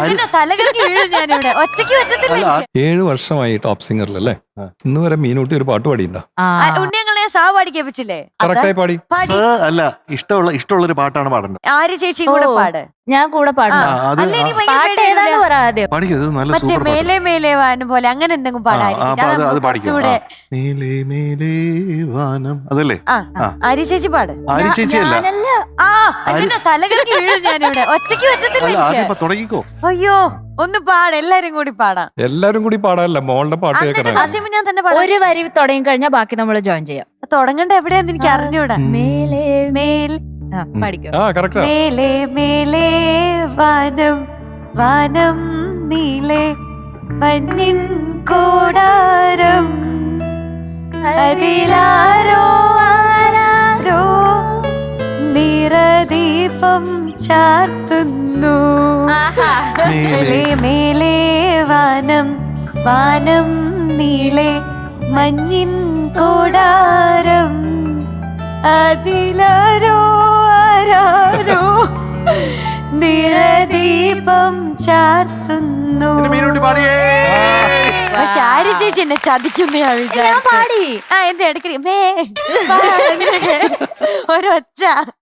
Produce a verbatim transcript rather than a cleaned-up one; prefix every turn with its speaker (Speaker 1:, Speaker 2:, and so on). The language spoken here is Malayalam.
Speaker 1: അതിന്റെ തലകൾക്ക് വീഴും ഞാനിവിടെ ഒറ്റയ്ക്ക് പറ്റത്തില്ല.
Speaker 2: ഏഴു വർഷമായി ടോപ്പ് സിംഗറിലല്ലേ? ഇന്ന് വരെ മീനൂട്ടി ഒരു പാട്ട് പാടിയിട്ടുണ്ടോ?
Speaker 1: ഉണ്ണിയങ്ങളെ സാ പാടിക്കേപ്പിച്ചില്ലേ?
Speaker 2: കറക്റ്റായി പാടി.
Speaker 3: അല്ല, ഇഷ്ടമുള്ള ഇഷ്ടമുള്ള ഒരു പാട്ടാണ് പാടേണ്ടത്.
Speaker 1: ആര്യ ചേച്ചി കൂടെ പാട്.
Speaker 4: ഞാൻ കൂടെ പാടുന്നു.
Speaker 1: മറ്റേ മേലെ മേലെ വാനം പോലെ അങ്ങനെ എന്തെങ്കിലും
Speaker 3: പാടാം. അതല്ലേ
Speaker 1: ആര്യ ചേച്ചി പാട്.
Speaker 3: ആര്യ ചേച്ചി അല്ല,
Speaker 1: ആ അതിന്റെ തലകൾക്ക് വീഴും ഞാനിവിടെ ഒറ്റയ്ക്ക് പറ്റത്തില്ല.
Speaker 3: തുടങ്ങിക്കോ.
Speaker 1: അയ്യോ ഒന്ന് പാട്, എല്ലാരും കൂടി പാടാം.
Speaker 2: എല്ലാരും കൂടി പാടാനല്ല, മോളുടെ പാട്ട് കേൾക്കണം.
Speaker 1: ഞാൻ തന്നെ പാടാം.
Speaker 4: ഒരു വരി തുടങ്ങി കഴിഞ്ഞാൽ ബാക്കി നമ്മൾ ജോയിൻ ചെയ്യാം.
Speaker 1: തുടങ്ങണ്ട എവിടെയാന്ന് എനിക്ക് അറിഞ്ഞൂടാ. മേലെ മേലെ മേലെ മേലെ വാനം വാനം നീലെ മഞ്ഞിൻ കൂടാരം അതിലാരോ ആരാരോ നിറദീപം ചാർത്തുന്നു. മേലെ മേലെ വാനം വാനം നീലെ മഞ്ഞിൻ കൂടാരം അതിലാരോ ആരാരോ നിറദീപം ചാർത്തുന്നു. പക്ഷെ ആര്യ ചേച്ചി എന്നെ ചതിക്കുന്ന ഞാൻ വിചാരിച്ചു. ആ എന്താ ഇടയ്ക്ക് ഒരൊച്ച